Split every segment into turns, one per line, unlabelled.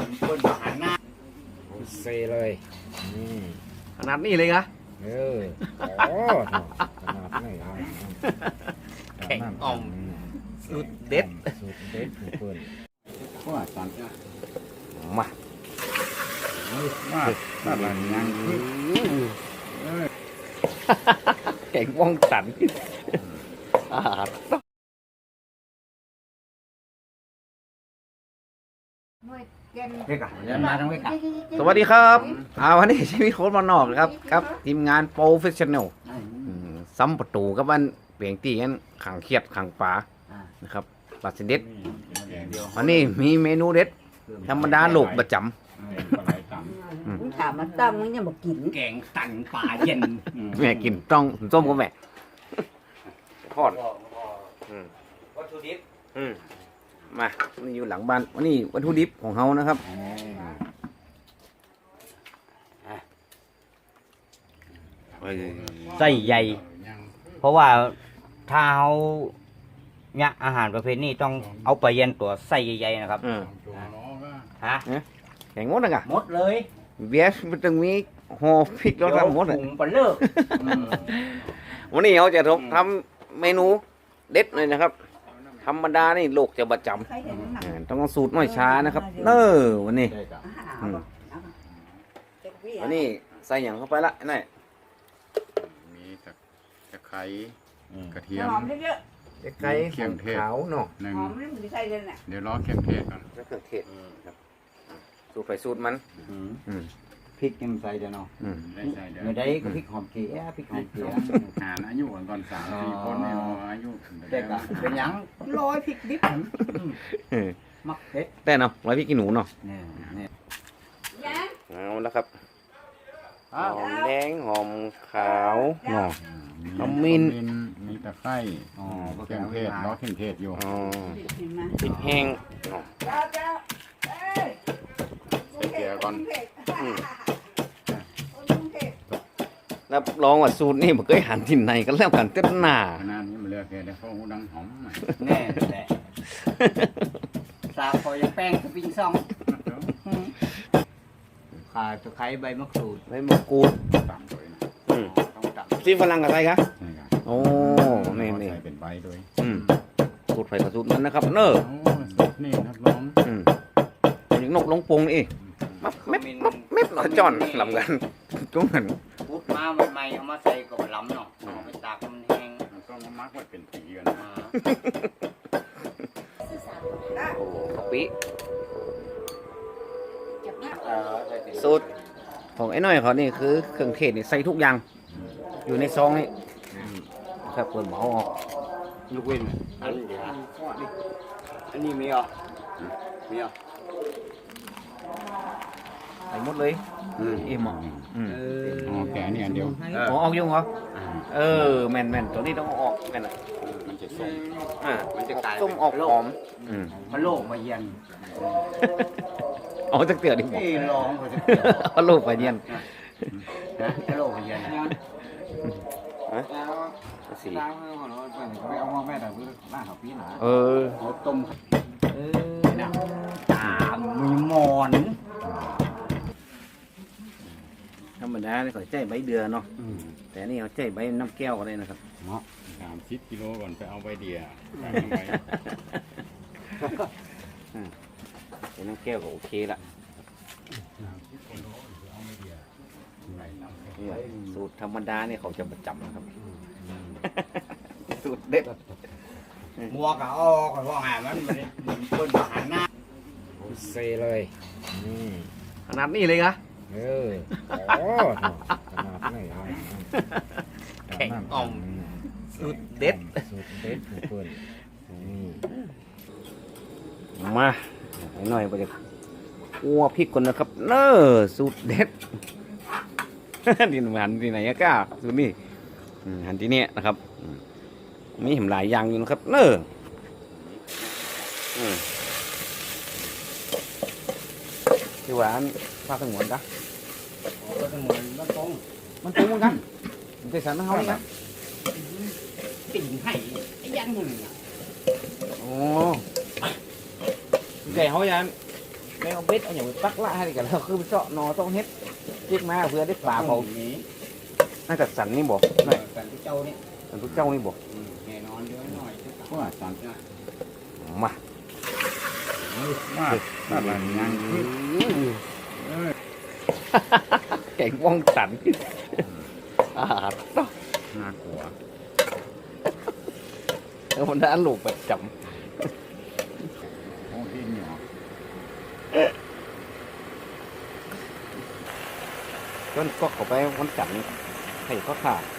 คนหันหน้า
เซเลยขนาดนี้เลยคะ
โอ้ขนาดนี้
แข็งอ่อมสุดเด็ด
สุดเด็ดเพื่อน
ว่าตัน
มา
ถ้ามันยัง
แข็งว่องสันสวัสดีครับวันนี้ชีวิตโค้ชมานอกครับทีมงานโปรเฟชชั่นแนลซ้ำประตูกับวันเปลี่ยนตีกันขังเขียดขังป่านะครับปลาเสด็จวันนี้มีเมนูเด็ดธรรมดาโลกประจำ
ถามมาตั้มมึงยังบอกกิน
แกงตันป่าเย็น
แม่กินต้องส้มกับแม่ทอดวัตถุดิบมานี่อยู่หลังบ้านวันนี้วัตถุดิบของเขานะครับ
ไส้ใหญ่เพราะว่าถ้าเขาเนี่ยอาหารประเภทนี้ต้องเอาไปเย็นตัวไส้ใหญ่ๆนะครับฮะ
แข่งงดนะกะ
หมดเลย
เบียร์มันต้องมีห่อพริกแล้วทำหมดเลย
ปลาเลิก
วันนี้เขาจะทำเมนูเด็ดเลยนะครับธรรมดานี่โลกจะประจำต้องสูตรน้อยช้านะครับวันนี้วันนี้ใส่อย่างเข้าไปละนี่
มีตะไคร้กระเทียม
ตะไคร้เครื่องเทศขาวเนาะ
หนึ่งเดี๋ยวรอเครื่องเทศก่อน
เครื่องเทศครับสูตรไปสูตรมัน
พริกยังใส่เดี๋ยวเนาะไม่ได้ก็พริกหอมเกลือพริกหอมเกลือ
หารอายุก่อน3-4คนเนี่ยอายุ
แต่ก็เป็นยังร้อยพริกดิบมักเด็ด
แต่เนาะร้อยพริกขี้หนูเนาะ
นี่
เอาแล้วครับหอมแดงหอมขาวเนาะขมิ้น
มีตะไคร้เครื่องเทศรอเครื่องเทศอยู่
พริกแห้งเนาะ
เกลือก่อน
รับรองว่าสูตรนี่มันเคยหันที่ไหนกันแล้วกันเต้นหน้า
ขนาดนี้มันเลือกแค่ได้ข้าวหูดังหอม
แน่แหละสาคอยแป้งสปริงซองข่าตะไคร้ใบมะกรูด
ตามด้วย
ต้องตำซีฝรั่งกับอะไรครับโอ้นี่
เป็นใบด้วย
สูตรไฟกับสูตรนั้นนะครับ
นี่นักร้อง
อย่างนกลงปงนี่เม็ดหน่อยจอนลำกันจุ้งหัน
พูดมาใหม่เอามาใส่กับล้ำเนาะเอาไปตากมันแห้ง
ก็มามักไว้เป็นปีกัน
กะปิสูตรของไอ้น้อยเขานี่คือเครื่องเทศนี่ใส่ทุกอย่างอยู่ในซองนี่ครับเปิดหม้อออก
ลูกเว้นอันนี้มีอ่ะ
ใส่หมดเลยอิ่ม
แกนี่อันเดียว
ออกยุ่งเหรอแม่นตัวนี้ต้องออกแม่น
มันจะส้ม
มันจะกลาย
ส้มออกหอม
มันโลกมาเย็น
อ๋อจะเกลือดิ
บ่ลองก็จะ
โลกมาเย็น
โลกมาเย็น
สี
เอามาแม่แต่เพื่อหน้าเขาปีหนาเขาต้มมีหมอน
ธรรมดาเนี่ยเขาใจใบเดือเนาะแต่นี่เขาใจใบน้ำแก้วอะไรนะครับ
30 กิโลก่อนไปเอาใบเดีย
เป็นน้ำแก้วก็โอเคละสูตรธรรมดาเนี่ยเขาจะประจำนะครับสูตรเด็ด
มัวกะอ้อก่อนว่าไงมันคนหันหน้า
เซเลยขนาดนี้เลยคะ
ขนาดนี้
แข็งอ่อมสุดเด็ด
เพื่อน
มาหน่อยไปจะคั่วพริกก่อนนะครับสูตรเด็ดดินหันที่ไหนก้าสูตรนี้หันที่นี่นะครับมีเห็นหลายอย่างอยู่นะครับที่หวานภาคสงวนกัน
มันตรง
เหมือนกันมันจะสั่นเขาเนี่ย
ติ่งให้ไอ้ยันมึง
โอ้แก่เขายันไม่เอาเบ็ดเอาอย่างไปปักละให้กันแล้วคือเจาะนอต้องเฮ็ดเรียกมาเพื่อได้ปลาเขา
นี้
น่าจะสันนี่บ่
หน่อยกันที่เจ้านี่
สันทุกเจ้านี่บ่
แน่นอนเยอะหน่อย
ว่าสัน
มา
ว่าสันอะไรยังคือ
แกงว่องสันต้อง
น่ากลัว
แล้วมันได้อันลูกประจ
โอ้ที่เหนียว
ำก็ก็เข้าไปวันจันทร์ให้เขาขาด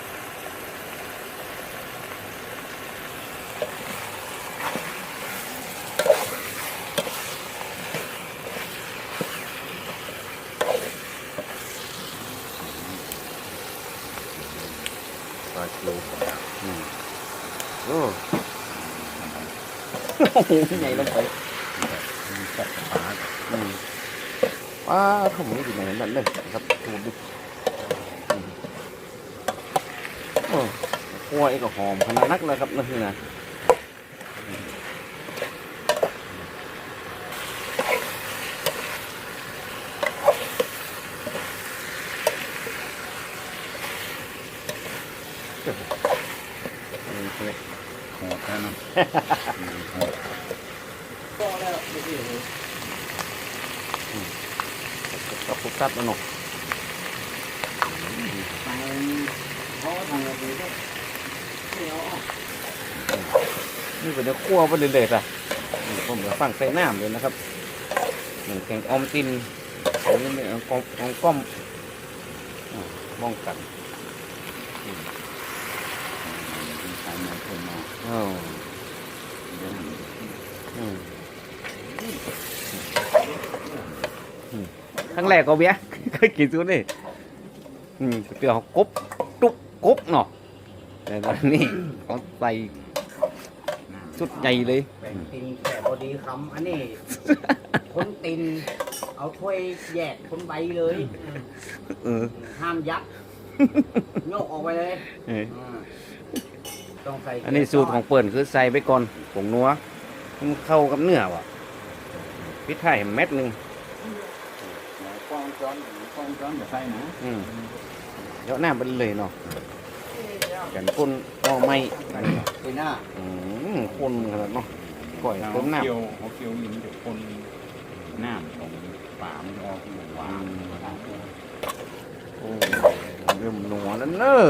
ปลาคิวโอ้โหใหญ่ลงไป
จับปลา
ป้าผมไม่ดีไหนนั่นเลยครับดูดิโอ้หัวเอกหอมขนาดนักเลยครับนั่นคือนะ
โหดแค่นั้นโหด
กับปุ๊บตัดแล้วเนาะ
ไปเขาทำอะไรก็เดี๋ยว
นี่เป็นเนื้อคั่วไปเรื่อยๆจ้ะผมจะฟังใส่น้ำเลยนะครับเหมือนแกงออมตินอันนี้เป็นของก้อมมองกัน
ใส่มาคนมา
อ้าว
เดี๋ยว
ครั้งแรกก็เบี้ย เคยกินซุดนี่เตี๋ยวกบตุกกบเนาะแต่ตอนนี้เขาใส่สุดใหญ่เลย
แบ่งตินแค่พอดีคำอันนี้คนตินเอาถ้วยแยกคนใบเลย
เออ
ห้ามยัดโยกออกไปเลย
เออ
ต้องใส่
อันนี้สูตรของเปิ่นคือใส่ไปก่อนผงนัวให้มันเข้ากับเนื้อว่ะพริกไทยเม็ดหนึ่ง
กล้องจ้อนอย่าใส่นะ
เดี๋ยวหน้าไปเลยเนาะกันก้นก็ไม่
ไปหน้า
คนขนาดเนาะก่อยต้มน้ำ
เขาเคี่ยวลิ้นเดี๋ยวคนน้ำของป่ามันออกหวาน
โอ้เริ่มหนัวแล้วเนอะ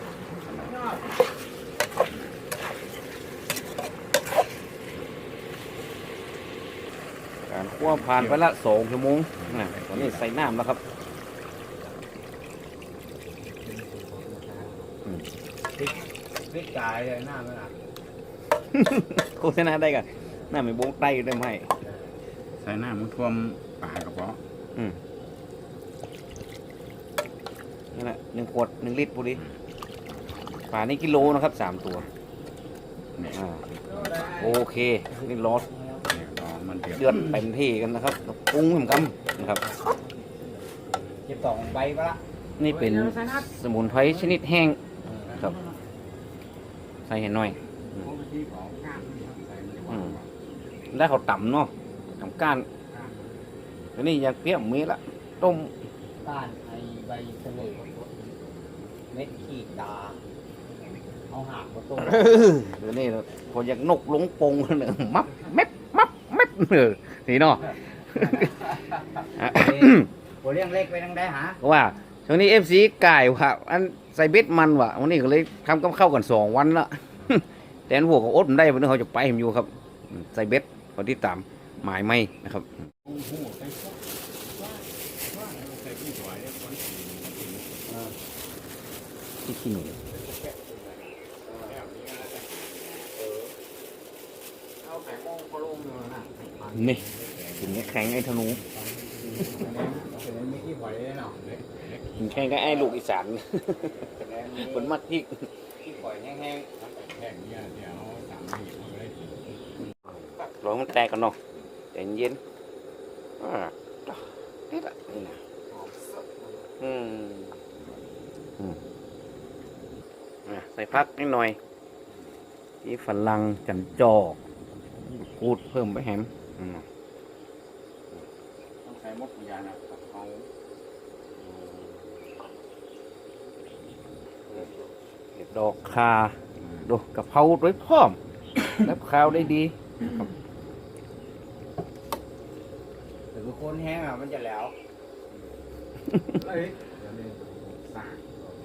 การคั่วผ่านไปละ2 ชั่วโมงนะตอนนี้ใส่น้ำแล้วครับ
พริกกายเลยหน้ามันอ่ะ
โฆษณาได้กันน้ำไม่บงไตได้ไหม
ใส่น้ำมันท่วมป่ากระเพาะ
นั่นแหละ1 ขวด 1 ลิตรพอดีป่านี่กิโลนะครับ3 ตัว
เนี่ย
โอเคนี่รส
ลองมันเดือด
เดือดเต็มที่กันนะครับปรุงเหมือนกันนะครับ
เก็บ2ใบก็ละ
นี่เป็นสมุนไพรชนิดแห้งครับ ใส่ให้หน่อยแล้วเขาต่ำเนาะต่ำก้านแล้วนี่อยากเปรี้ยวมีละต้ม
ก้านไอใบเสลดเม็ดขีดดาเอาหากมาต้ม
เดี๋ยวนี้พออยากนกลงปงเนี่ยมับเม็บนี่เนาะ
หัวเลี้ยงเล็กไปทางใดหา
ว่าช่วงนี้ FC ไก่ว่ะอันใส่เบ็ดมันว่ะวันนี้ก็เลยทำกับข้าวกัน2 วันละ แต่อันหัวก็อดมันได้วันนี้เขาจะไปผมอยู่ครับใส่เบ็ดพอที่ตามหมายไม่นะครับที่ขี้หนูนี่ถึงแข็งไอ้ธนูถึงแข็งก็ไอ้ลูกอีสานคนมักที่
ที่ปล่อยแห้ง
แห้งเนี่ยเดี๋ยวสามหีบเอาไปได้
ร้อนมันแตกกันเนาะใจเย็นนี่แหละนี่นะใส่พักนิดหน่อยที่ฝรั่งจันจอกกูดเพิ่มไปแฮม
ส่หมดทุกอย่างนะกับเขา
เห็ดดอกคาดูกะเพราด้วยพร้อม แล้วข้าวได้ดี
แต่คือคนแห้งอ่ะมันจะแล้ว
เอ้ยเดี๋ยวนี้สร้าง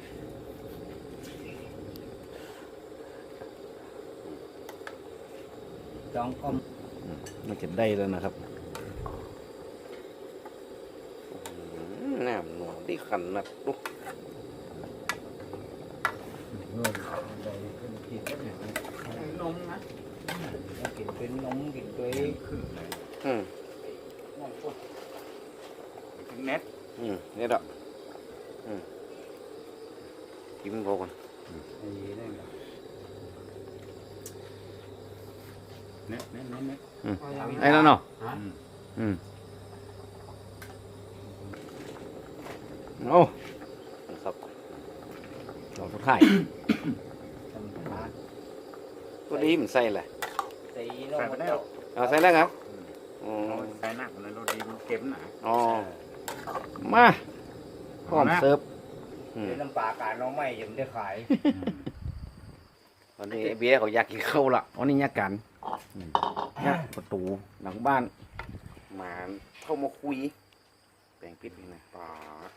จองก้ม
มันจะได้แล้วนะครับน้ำหนวดที่ขันนัดลูก
นมนะกินเป็นนมกินตัว
ขึ้นเลย
อืม
ถึงเน็ต
นี่ดอกกินโบกัน
เน็ต
ไอ้แล้วเนาะ
อืม
โอ้ครับดอกสุดท้ายตัวนี้มันใส่แหละ
ตีน
ใส่
ม
ไปแล้ว
เอาใส่แล้วครับอ๋อ
ใส่หนักเลยรถดีมันเก็บหนา
อ๋อมาพร้อมเสิร์ฟ
เดี๋ยวน้ำปลาการน้องไม่ยังได้ขาย
วันนี้เบียร์เขาอยากกินข้าวละวันนี้ยากกันยากประตูหลังบ้านหมาเข้ามาคุยแปลงปิดนี่นะปาด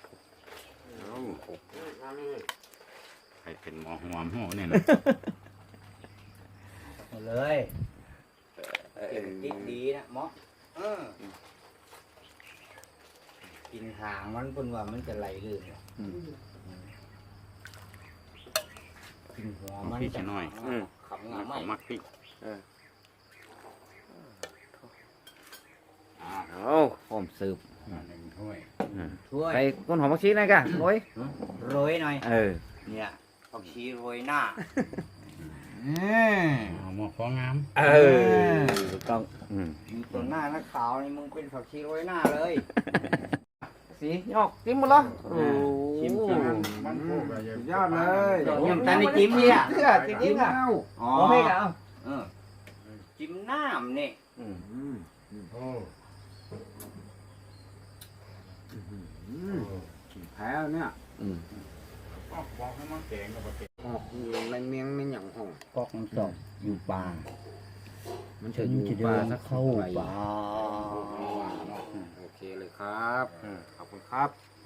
ใครเป็นหมอหัวหม้อเนี่ยนะ
เลยกินดิบดีนะหมอกินหางมันเป็นว่ามันจะไหลลื่นกินหัวมัน
พี่จะน้อย
ขำงา
เขา
ไม่
มักพี่
เอาพร้อมเสิร์ฟ
หนึ่งถ้วย
ช่วย
ใส่ต้นหอมผักชีหน่อยกันโอ้ย
โรยหน่อย
เออ
เนี่ยผักชีโรยหน้า
เอาหม้อฟองงาม
เออถูกต้อง
มีตัวหน้านักขาวนี่มึงเป็นผักชีโรยหน้าเลย
สียอกจิ้มหมดแล้วโอ้
ชิมกันมันพวกอะไร
ยอดเลย
ยังแต่ในจิ้มเนี่ย
เสื้อจริงๆอ่ะ
อ๋อ
โอเคกัน
จิ้มน้ำนี่
โอ้
แพ้เนี่ย
บอกให้มันแกงกับแกง
ออกในเมียงในหยังห้อง
กอกน้ำตกอยู่ป่า
มันจะอยู่ปลาสักเข้าไป
ป่า
โอเคเลยครับขอบคุณครับผม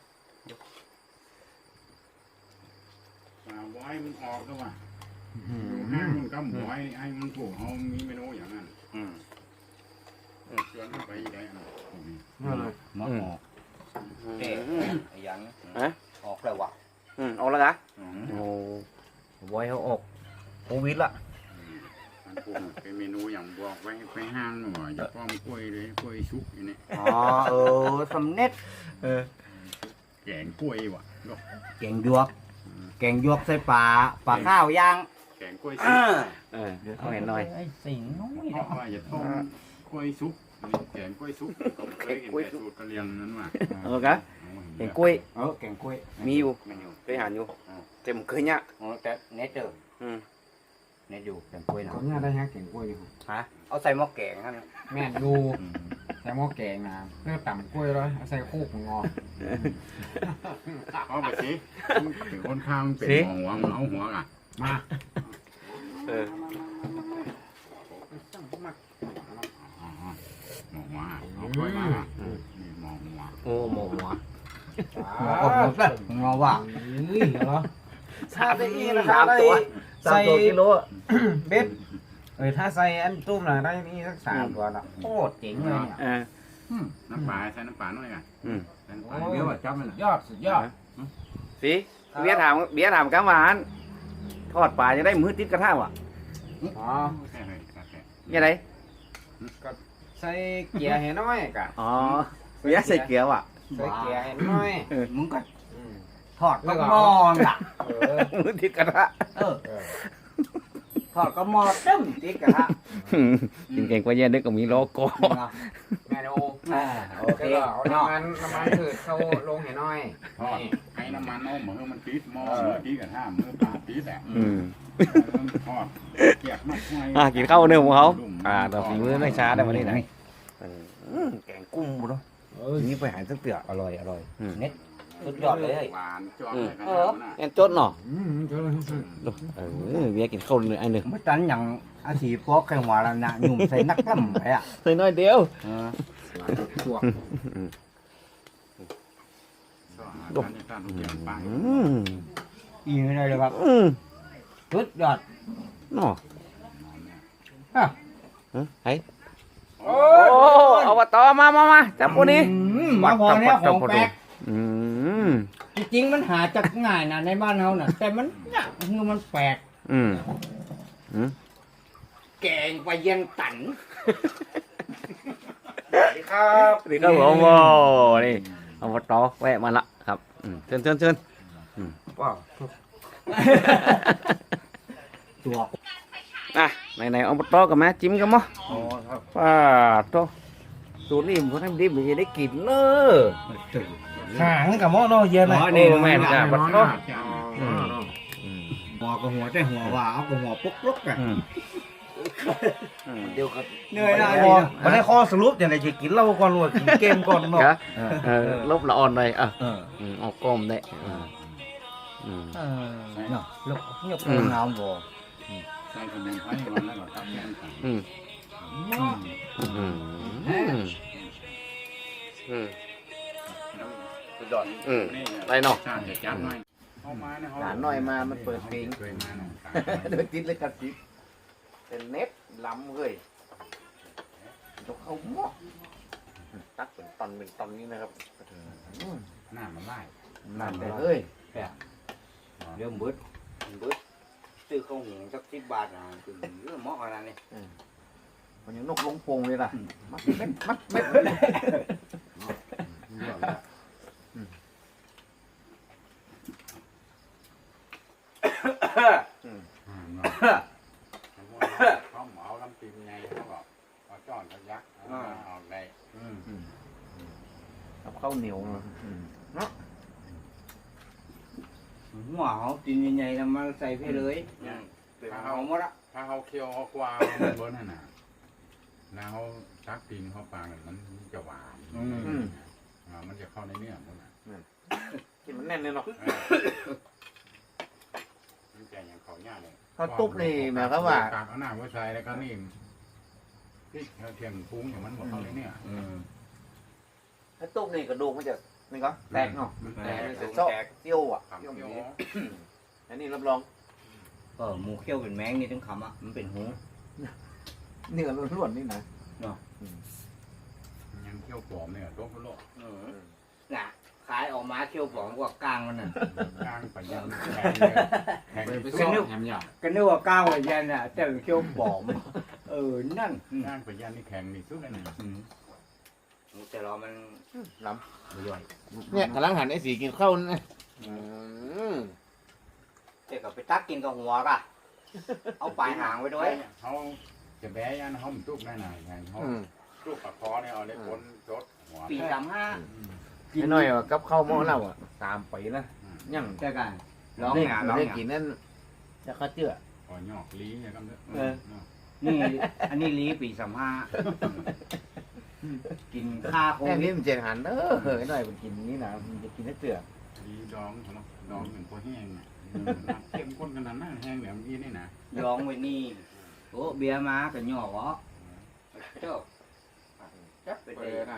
ไว้มันออกแล้วว่ะห้างมันก็หมวยให้มันถูกเขามีเมนูอย่างนั้นเชื่อไปได้อันนั้น
หมอออกเจ๊ไอ้ยังออกแล้ววะ
เอาละกะโอ้บอยเขาออกโควิดละ
มันปรุงเป็นเมนูอย่างบอกไว้ไปห้างหน่อยอย่าป้อมกล้วยเลยกล้วยชุกอย่างนี้
อ๋อสำเน็จ
แกงกล้วยว่ะ
แกงยวกใส่ปลาข้าวย่าง
แกงกล้วยชุก
เอาเห็นหน่อย
ไอ้สิงน้อย
เพราะว่าอย่าต้มกล้วยชุกแกงกล้วยชุกผมเคยเห็นแต่สูตรกะเลียงนั้นว่ะ
เออกะแกงกล้วย
แกงกล้วย
มีอยู่เคยหานอยู่แต่ผมเคยเนี่ย
แต่เน็ตเด้อเน็ตอยู่แกงกล้วยนะ
เขาเนี่ยได้ฮะแกงกล้วยดิ
ฮะเอาใส่หม้อแกงนั่น
แม่ดูใส่หม้อแกงนะเพื่อต่ำกล้วยเลยใส่โคกงอ
เอาไปสิถึงคนข้างเป็นหัวเอาหัวอ่ะ
มา
หมอหัวเอากล้วยมานี่หมอหัว
โอ้หมอหัว
ออกแล้วงอว่า
นี่เหรอ
ชาได้อีนะ3 ตัวกิโล
เบ็ดถ้าใส่อันตุ้มน่ะได้นี่สัก3 ตัวละโคตรเจ๋งเลยเนี่ย
น้ำปลาใส่น้ำปลาหน่อยกันน้ำปลา
เบี้ยวจับมันยอดสุดยอด
สิเบียร์ถามกะหวานทอดปลาจะได้มือติดกระทะวะ
อ๋อ
แค่ไหนแค่
ยังไง
ใส่เกียร์ให้น้อยกะ
อ๋อเบียร์ใส่เกลือวะ
ใส่เกียร์ให้น้อย
มึงก็ทอดก็มองอ่ะ
มือติดกระทะ
ทอดก็มอตึ้มติ๊กกะฮะ
กินเก่งกว่าเย็นนึกก็มีโลโก้
แม่ดู
โอเค
แล้วก็เอาน้ำมันพืชเข้าลงให้น้อย
ทอดให้น้ำมันเอามือมันติดหม้อมือติดกับท่ามือปลาติดแหละทอดเกียกมาก
กินข้าวเนื้อของเขาต่อฝีมือไม่ช้าได้วันนี้นะแกงกุ้งบุญเนาะ
เออ
ทีนี้ไปหาสักเตือ
อร่อยอร่อย
อืม
เน็ตสุดยอดเลย
หวานจ้อนเลยขนาดนั้นน่ะ
แอนจดเนาะ
เจ้าเลย
เบียร์กินข้าวเลยไอ้หนึ่ง
ไม่ตันอย่างอาชีพพวกแข่งหัวแล้วนะหนุ่มใส่นักล่ำไปอ่ะ
ใส่น้อยเดียว
ตัว
ก็อาหารการทุกอย่างไป
อีกเลยครับสุดยอด
เนาะ
ฮะ
ไอ้โอ้เอาตอมาจับพวกนี้
มาพอเนี่ยของแปลก
อืม
จริงๆมันหาจากง่ายนะในบ้านเราน่ะ แต่มันเนี่ยคือมันแปลก
อืม
แกงไปเย็นตันสวัสดีครับ
นี่ก็ผมโอ้นี่เอาตอแวะมาละครับเชิญ
ว้าวตัว
อ่ะไหนเอาตอกับแม่จิ้มกันมั้ง
อ๋อครับ
ป้าโตสูตรนี้ผมทำดิบมันจะได้กินเนอะ
หางกับหม้อเนาะเย็นเลย
นี่แม่นจ้ะบัดเนาะ
หัวกับหัวแต่หัวว่าเอากับหัวปุ๊กปุ๊กอ่ะ
เดี๋ยวครับ
เหนื่อยนะวันนี้ข้อสรุปอย่างไรจะกินเหล้าก่อนหรือว่ากินเกมก่อนเนาะ
ลบละอ่อนเลยเอาก้มได้
เนาะลูกยกงามบ่
ใส่ขนมไทยมันแล้วก็ทับแกงไข่
สุดยอดได้เนาะ
ชาติจะจัดหน่อยเข้ามาเนี่ย
หลานหน่อยมามันเปิดเพลง
เคยมาเนาะ
โดยติดเลยครับติดเป็นเน็ตล้ำเลยยกเข้าหม้อตักเป็นตอนนี้นะครับ
หน้ามันไล่
นั่นเลย
เริ่มบึ้ดซื้อข้าวหุงสัก10 บาทนะคือเหมาะขนาดนี้
มันยังนกลงโปงเลยล่ะมัดเม็ด
เขาเหมาลำปีนไงเขาบอกเอาจ้อนเขายักษ์เอาออกได้
กับข้าวเหนียวเนาะ
หัวเขากินใหญ่ๆแล้วมาใส่ไปเลยเอาหมดละ
ถ้าเขาเคี่ยวเขากวามันบนนั่นน่ะแล้วเขาชักปีนเขาปางมันจะหวานมันจะเข้าในเนื้อมันน่ะ
กินมันแน่นเลยเนาะ
มันแกอย่างเขาย่าเลย
ข้าวตุ๊บนี่หมายความว่า
กากเอาหน้าไว้ใส่แล้วก็นี่พริกเทียมปรุงอย่างมันหมดเข้าในเนื้อ
ข้าวตุ๊บนี่กระดูกมันจะนี่ก็แตกเนาะ
มัน
แต
แต
ก
ก
มันจะโซ่เตี้ยวอ่ะ
ขำ
เตี้ยว
เคี่ยว
นี้อันนี้รับรอง
หมูเคี่ยวเป็นแมงนี่ต้องคำอ่ะมันเป็นหู
เนื้อล้วนๆนี่นะ
ยังเคี่ยวปลอมเนี่ยต้มโลก
น่ะขายออกมาเคี่ยวผอมกว่ากลางมันน่ะ
กลางไปยังแข็งไปสู้แหมหยาบ
ก็นึกว่ากลางกว่ายันน่ะแต่เคี่ยวผอมนั่น
กลางไปยันนี่แข็งนี่สุดเลยนะ
แต่เรามัน
ล้ำเนี่ยกำลังหันไอ้สีกินข้าวนี่
แต่ก็ไปตักกินกับหัวก่ะเอาปลายหางไว้ด้วย
เขาจะแบยันเขามันตุกได้หน่อยเขาตุกปากคอเนี่ยเอาเล็กคนรถหัว
ปี35
ไม่น้อยว่ากับข้าวหม้อเราอ่ะ3 ปีนะยัง
แต่กันร้อง
ได้
หาร้อง
ได้
หา
กินนั่นจะข้าเจื้อ
คอยหยอกลีเนี่ยก็เด้
นี่อันนี้ลีปี35กินข้าโค
แค่
วิ
นี้
ด
มันเจ็ดหันเฮ้ยหน่อยมันกินนี่นะมันจะกินได้เจื้อ
ลีดองเขาดองเหมือนพวกแห้งเนี่ยเข้มข้นขนาดนั้นแห้งแบบนี้นี่นะ
ร้องไว้นี่โอ้เบียร์มาก็หย่อวะเจ้าจับไป
เปิ
เลย
ดนะ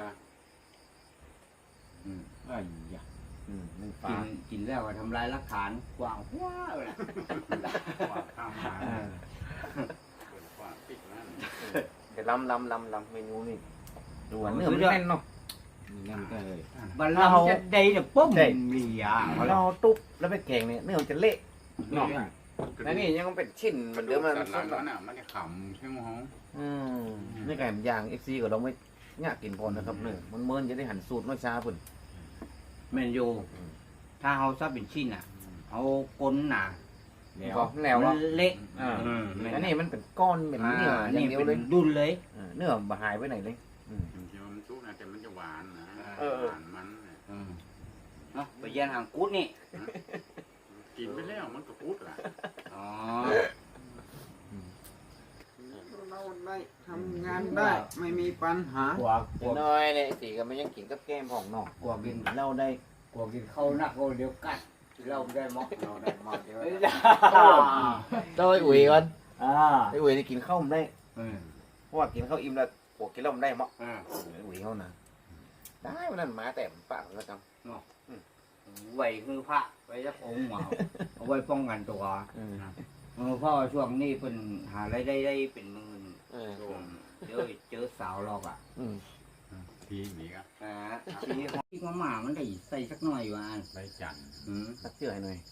ไอ้ยา
นึ่ง
กิ
ฟ้าน
กินแล้วก็ทำลายหลักฐานกว้างว้าวเลย
กวาดข้ามมาเปิดกวาดปิดนั่น
เดี๋ยวลำเมนูนี่ดูเนื้อมันแน่นเนาะ
นั่นก็เลย
บัลลังก์จะได้เนี่ยปุ๊บเลีย
เราตุ๊บแล้วไปแกงเนี่ยเนื้อมันจะเละเนาะแล้วนี่ยังเป็นชิ้นเหมือนเดิมมัน
หลังนั้นอ่ะมันจะขำใช่ไหมฮะ
นี่ไก่ย่างเอฟซีก็เราไม่ยากกินพอนะครับเนื้อมันเมินจะได้หันสูตรน้อยช้าปุ่น
แมนยูถ้าเขาซับเป็นชิ้นอ่ะเอาก้นหนา
ก็แล้ว
มั
อ่ะ
นเละ
อันนี้มันเป็นก้อนเป็นเนื้ออย่างเดียวเลย
ดุนเลย
เนื้อบ่หายไปไหนเลย
จริงๆมันซุกนะแต่มันจะหวานนะหวานมัน
เนาะไปแย่งหางกุดนี่
กินไปแล้วมันก็พูดล่ะ
อ๋อ
เราได้ทำงานได้ไม่มีปัญหาก
ลัว
น้อยเนี่ยตีก็มันยังกินกับแก้มของนอก
กลัวกิน
เราได้
กลัวกินข้าวนักเดี๋ยวกัดเราไม่ได้หมอก
เราได้มากเยอะ
ต้องไอ้อุ๋ยก่อน
อ่า
ไอ้อุ๋ยนี่กินข้าวมันได้
เออ
เพราะว่ากินข้าวอิ่มแล้วพวกกินแล้วมันได้มั้ง
อ่า
ไอ้อุ๋ยเขานะได้วันนั้นมาแต่ปากแล้วจัง
ไว้คือพระไว้จะองค์เอาไว้ป้องกันตัวเพราะว่าช่วงนี้เป็นหารายได้เป็นหมื่นเดี๋ยวเจอสาวหรอกอ่ะ
ทีนี้ก็
ทีนี้ที่มาหมามันได้ใส่สักหน่อยอยู่อัน
ไปจันทร์
สักเจือหน่อย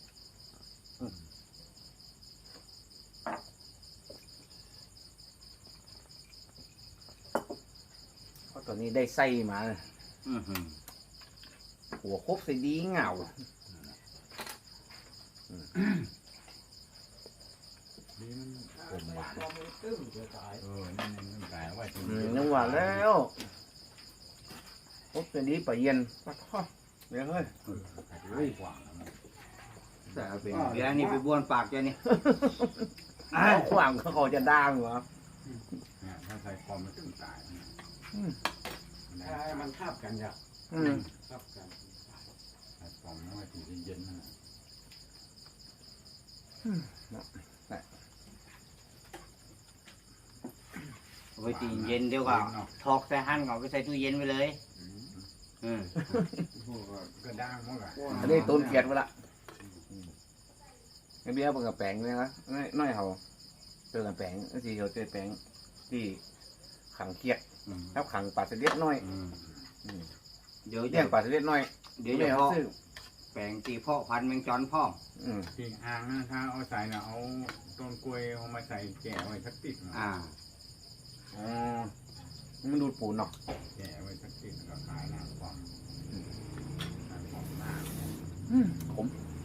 เพราะตอนนี้ได้ไส้มา หัวครบใส่ดีเหงา
นี่มันผมหวานนี่มันแต่ว่าจริง
นึกว่าแล้วครบใส่ดีปะเย็นปัดข้อเดี๋ยวเฮ้ย
เฮ้ยกว่านะมัน
แต่เป็นเดี๋ยวนี่ไปบ้วนปากเจ้านี่
ขวางเขาจะด่างเหรอ
เนี่ยถ้าใส่คอมมันถึงตายมันทับกันอย่างทับกันใส่คอมไม่ว่าทีเย็นๆนะ
ไว้ตีเย็นเดี๋ยวก็ทอกใส่หั่นก็ไปใส่ตู้เย็นไปเลย
ก็ด่างมั้งอะ
อันนี้ต้นเกียดไปละไอ้เบี้ยเปิดกระแปงเลยนะน้อยเขาเจอกับแปงที่เขาเจอแปงที่ขังเกียดแล้วขังปลาเสด็จน้อย
เดี๋ยว
เลี้ยงปลาเสด็จน้อย
เดี๋ยวจะ
เขา
เพาะ
ซื้อ
แปลงตีเพาะพันธุ์แมงจอนพ่อม
ที่อ่างนะถ้าเอาใส่น่ะเอาต้นกล้วยเอามาใส่แก่ไว้สักติดนะ
อ๋อมันดูดปูนเนาะ
แก่ไว้สักติดแล้วก็ขายหน้าความหน้า
ผม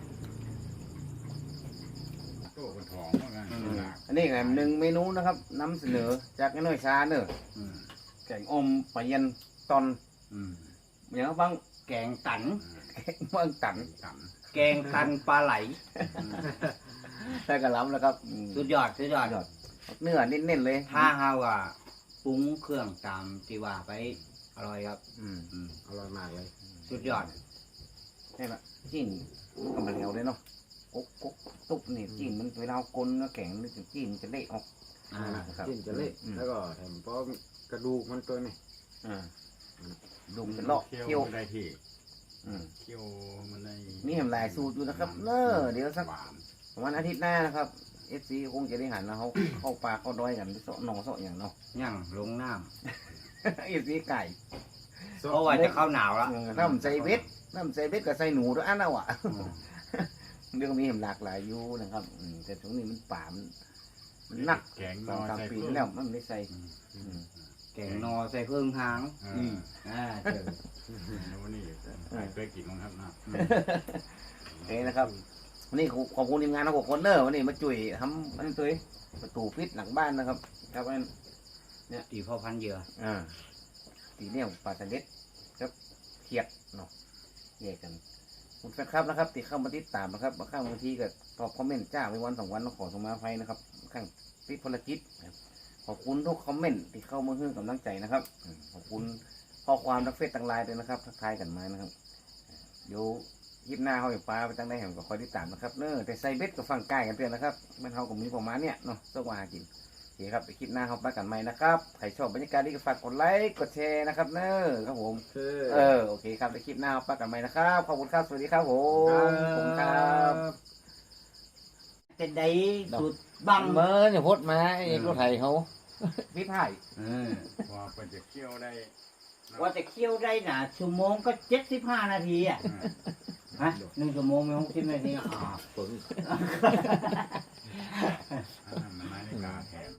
โต้กระถองว่างั้น
อันนี้ไงหนึ่งเมนูนะครับนำเสนอจากไอ้น้อยชาเนอะแกงอมปลาเย็นตอนอย่างบาง
แกงตัน
บางตัน
ต่
แกงตันปลาไหล
ใส่กระหลำแล้วครับ
สุดยอดสุดยอด
เนื้อเน้นๆเลย
ถ้าเฮาอ่ะปรุงเครื่องตามที่ว่าไปอร่อยครับอร่อยมากเลย สุดยอด
ใช่ปะจิ้นมันก็มาแล้วเลยเนาะกุ๊กกุ๊กตุ๊บนี่จิ้นมันเวลาเอากลนแล้วแข็งนี่จิ้นมันจะเละออกครับ
จิ้นจะเละแล้วก็แถมเพราะกระดูกมันตัวนี่
ดุม
ำ
เป็นลอก
เคี่
เคี่ยว
ยวได้ที่เคี่ยวมันได้
มีแหมหลายสูตรอยู่นะครับเนอะเดี๋ยวสัก
หวาน
วันอาทิตย์หน้านะครับเอฟซีคงจะได้หันนะเขาเข้าปลาเข้าดอยกันเสาะหนองเสาะอย่างเนาะ
ย่างลงน้
เอฟซีไก่
ำเพราะว่าจะเข้าหนาวแล้ว
น้ำใส่เบ็ดน้ำใส่เบ็ดกับใส่หนูด้วยอันน่ะวะเรื่องมีเห็นหลากหลายอยู่นะครับแต่ตรงนี้มันป่ามันหนัก
แกง
ส
น
อง
อ
สาม
ใส่
ปี
เพิ่ม
แล้วมันไม่ใส่
แกงนอใส่เพิ่งหางเจอ
แล้วนี่เคยกินมั้งครับนะ
โอเคนะครับวันนี้ขอบคุณทีมงานทั้ง6 คนเนอะวันนี้มาจุ่ยทำอันนี้ตัวประตูพิษหลังบ้านนะครับครับอัน
ตีพ่อพันธุ์เหยื่อ
ตีเนี่ยปลาสลิดครับเขียดเนาะแยกกันคุณแฟนครับนะครับติดเข้ามาติดตามนะครับบางทีก็ตอบคอมเมนต์จ้าไปวัน2 วันต้องขอสมาภัยนะครับข้างติดภารกิจขอบคุณทุกคอมเมนต์ที่เข้ามาให้กำลังใจนะครับขอบคุณข้อความทักเฟซต่างไลน์ด้วยนะครับทักทายกันมานะครับเดี๋ยวยิบหน้าเขาอยู่ปลาไปตั้งได้แห่งก็คอยติดตามนะครับเนอะแต่ใส่เบ็ดกับฝั่งใกล้กันเตือนนะครับมันเขากับมีประมาณเนี้ยเนาะสักวันกินโอเคครับไปคลิปหน้าเขาไปกันใหม่นะครับใครชอบบรรยากาศดีก็ฝากกดไลค์กดแชร์นะครับเนอะครับผมโอเคครับไปคลิปหน้าเขาไปกันใหม่นะครับขอบคุณครับสวัสดีครับผมขอบคุณครับ
จะได้สุดบัง
เมื่อเนี่ยพดมาเอกรถไทยเขาพิพาย
ว่าเป็นจะเคี่ยวได้
ว่าจะเคี่ยวได้นะชั่วโมงก็75 นาทีอ่ะฮะ1 ชั่วโมงไม่60 นาทีปึ้ง